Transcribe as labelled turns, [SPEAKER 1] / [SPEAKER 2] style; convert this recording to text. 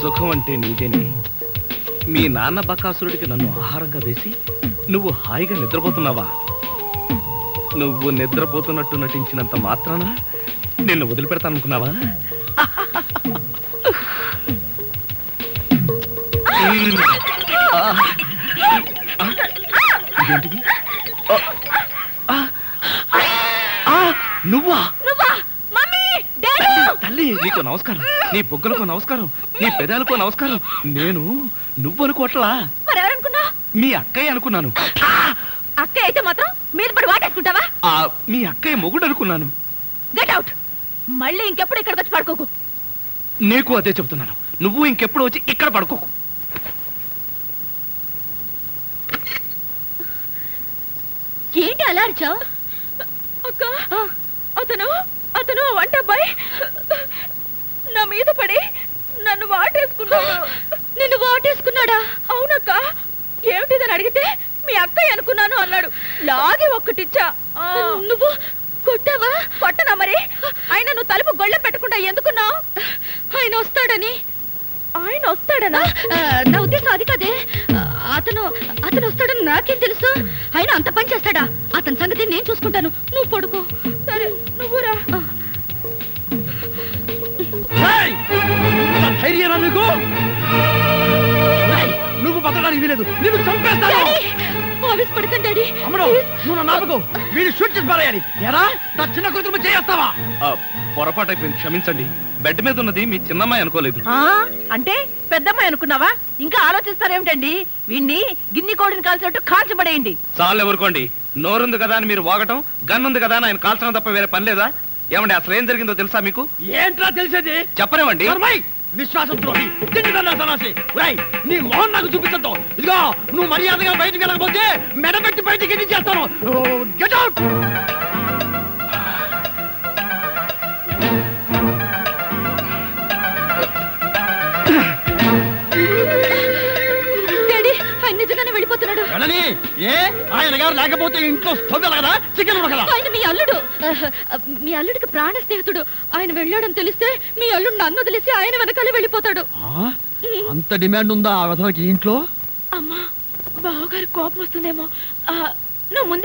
[SPEAKER 1] సుఖం అంటే నీదేనే. మీ నాన్న బకాసురుడికి నన్ను ఆహారంగా వేసి నువ్వు హాయిగా నిద్రపోతున్నావా? నువ్వు నిద్రపోతున్నట్టు నటించినంత మాత్రాన నిన్ను వదిలిపెడతాననుకున్నావా? ఇదేంటిది? నువ్వా? తల్లి, నీకు నమస్కారం. నీ బొగ్గలకు నమస్కారం, నీ పెదాలకు నమస్కారం. నేను నువ్వు అనుకోవట్లా, మీ అక్కయ్య అనుకున్నాను.
[SPEAKER 2] అక్కయ్య అయితే మాత్రం మీద పడి వాటేసుకుంటావా?
[SPEAKER 1] మీ అక్కయ్య మొగుడు అనుకున్నాను.
[SPEAKER 2] Get out. మళ్ళీ ఇంకెప్పుడు ఇక్కడికి వచ్చి పడుకోకు.
[SPEAKER 1] నీకు అదే చెబుతున్నాను, నువ్వు ఇంకెప్పుడు వచ్చి ఇక్కడ పడుకోకు.
[SPEAKER 2] ఏంటి అలా అరిచావు? అక్క, అతను అతను వంట అబ్బాయి నా మీద పడి నన్ను వాటేసుకున్నాడు. నిన్ను వాటేసుకున్నాడా? అవునక్క. ఏమిటిదని అడిగితే మీ అక్కయ్య అనుకున్నాను అన్నాడు. లాగి ఒక్కటిచ్చా. నువ్వు కొట్టావా? కొట్టనా మరి. ఆయన నువ్వు తలుపు గొళ్ళెం పెట్టకుండా ఎందుకున్నావు? ఆయన వస్తాడని. ఆయన వస్తాడనా? నా ఉద్దేశం అది కాదే. అతను అతను వస్తాడని నాకేం తెలుసు? ఆయన అంత పని చేస్తాడా? అతని సంగతి నేను చూసుకుంటాను, నువ్వు పడుకో. సరే, నువ్వురా.
[SPEAKER 1] నువ్వు బతకడానికి వీలేదు, నిన్ను చంపేస్తాను.
[SPEAKER 2] పడకండి డాడీ.
[SPEAKER 1] నువ్వు నాపకు, వీడు షూట్ చేసి పారేయాలి. ఎరా, నా చిన్న కూతురు చేస్తావా? పొరపాటు అయిపోయింది, క్షమించండి. బెడ్ మీద ఉన్నది మీ చిన్నమ్మాయి అనుకోలేదు.
[SPEAKER 2] అంటే పెద్దమ్మాయి అనుకున్నావా? ఇంకా ఆలోచిస్తారేమిటండి? వీణ్ణి గిన్ని కోడిని కాల్చినట్టు కాల్చబడేయండి.
[SPEAKER 1] చాలు ఎవరుకోండి. నోరుంది కదా అని మీరు వాగటం, గన్నుంది కదా అని ఆయన కాల్చడం తప్ప వేరే పని లేదా? ఏమండి, అసలు ఏం జరిగిందో తెలుసా మీకు?
[SPEAKER 3] ఏంట్రా తెలిసేది?
[SPEAKER 1] చెప్పనివ్వండి.
[SPEAKER 3] విశ్వాసం ద్రోహి, నీ మోహన్ నాకు చూపించద్దు. ఇదిగో, నువ్వు మర్యాదగా బయటికి వెళ్ళకపోతే మెడబెట్టి బయటికి చేస్తాను. Get out.
[SPEAKER 2] నిజంగానే వెళ్ళిపోతున్నాడు.
[SPEAKER 3] ఏ ఆయన గారు లేకపోతే ఇంట్లో స్టవ్ కదా, చికెన్ కదా.
[SPEAKER 2] ఆయన మీ అల్లుడు. మీ అల్లుడికి ప్రాణ స్నేహితుడు. ఆయన వెళ్ళాడని తెలిస్తే మీ అల్లుడు నన్ను వదిలేసి ఆయన వెనకాలే వెళ్ళిపోతాడు.
[SPEAKER 3] అంత డిమాండ్ ఉందా ఆ విధవకి ఇంట్లో?
[SPEAKER 2] అమ్మా, బావగారి కోపం వస్తుందేమో. నువ్వు ముందు